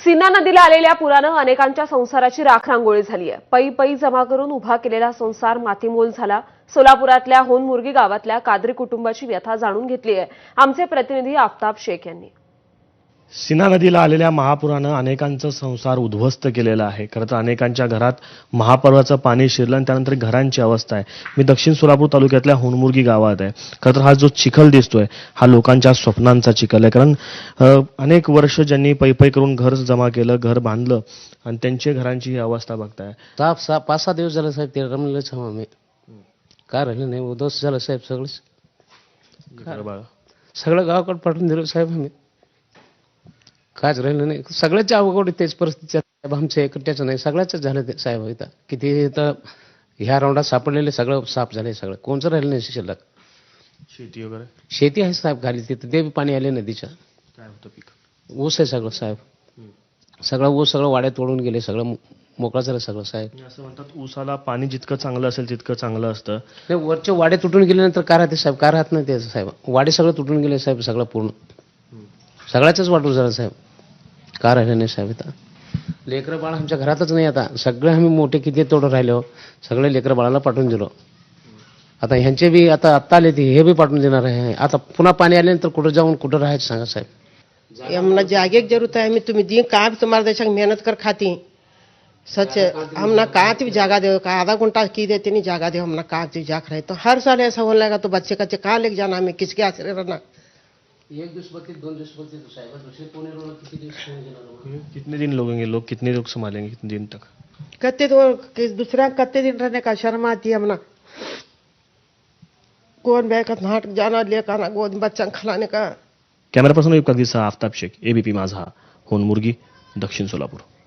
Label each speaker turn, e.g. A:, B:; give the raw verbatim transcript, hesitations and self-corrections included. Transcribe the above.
A: सिन्ना नदीला आलेल्या पुरानं अनेकांच्या संसाराची राखरांगोळी झाली आहे। पै पै जमा करून उभा केलेला संसार मातीमोल झाला। सोलापुरातल्या होनमुर्गी गावातल्या कादरी कुटुंबाची व्यथा जाणून घेतली आहे आमचे प्रतिनिधी आफताब शेख यांनी।
B: सिन्ना नदीला आलेल्या महापुरानं अनेकांचा संसार उद्ध्वस्त केलेला आहे। खरं तर अनेकांच्या घरात महापुराचं पाणी शिरलं आणि त्यानंतर घरांची अवस्था आहे। मी दक्षिण सोलापूर तालुक्यातल्या होनमुर्गी गावात आहे। खरं तर हा जो चिखल दिसतोय हा लोकांच्या स्वप्नांचा चिखल आहे, कारण अनेक वर्ष ज्यांनी पै पै करून घर जमा केलं, घर बांधलं आणि त्यांच्या घरांची ही अवस्था बघताय।
C: साप सहा पाच सहा दिवस झालं साहेब, ते रमलेच हवं आम्ही काय राहिलं नाही, उद्ध्वस्त झालं साहेब सगळंच। सगळं गावाकडे पाठवून दिलं साहेब आम्ही, कायच राहिलं नाही। सगळ्याच्या अवघड तेच परिस्थिती साहेब, आमच्या एकट्याचं नाही सगळ्याच झालं ते साहेब। इथं किती इथं ह्या राऊंडात सापडलेले सगळं साफ झाले, सगळं कोणचं राहिलं नाही शिल्लक।
B: शेती वगैरे
C: शेती आहे साहेब खाली, तिथं ते बी पाणी आले नदीच्या।
B: काय होतं पीक?
C: ऊस आहे सगळं साहेब, सगळं ऊस सगळं वाड्यात तोडून गेले, सगळं मोकळं झालं सगळं साहेब।
B: असं म्हणतात ऊसाला पाणी जितकं चांगलं असेल तितकं चांगलं असतं।
C: ते वरचे वाडे तुटून गेल्यानंतर काय राहते साहेब, काय राहत नाही ते साहेब। वाडे सगळं तुटून गेले साहेब, सगळं पूर्ण सगळ्याच वाटून झालं साहेब, काय राहिलं नाही साहेब। इथं लेकरं बाळ आमच्या घरातच नाही, आता सगळे आम्ही मोठे किती तोडून राहिलो, सगळे लेकरं बाळाला पाठवून दिलो। आता ह्यांचे बी आता आत्ता आले ते हे बी पाठवून देणार आहे। आता पुन्हा पाणी आल्यानंतर कुठं जाऊन कुठं राहायचं सांगा साहेब।
D: हमना जागे की जरूरत है, हमें तुम्हें दी कहाँ भी तुम्हारे देश मेहनत कर खाती सच हमना कहाँ भी जगह दे, कहा आधा घंटा की देते नहीं जगह दे, हमना कहाँ भी जाग रहे। तो हर साल ऐसा होने लगा तो बच्चे कच्चे कहाँ लेके जाना, हमें किसके आश्रय रहना।
C: एक दिवस बघते दोन दिवस बघते तो साहेब, दुसरे कोणी रोड किती दिवस कोणी देणार।
B: कितने दिन लोगेंगे लोग, कितने लोग संभालेंगे कितने दिन तक?
D: कत्ते तो दूसरा कत्ते दिन रहने का शर्म आती है हमना। कौन बैकत नाट जाना लेकर आना गोद बच्चा खिलाने का।
B: Camera person Aftab Shaikh, ABP Majha, Honmurgi, दक्षिण सोलापूर।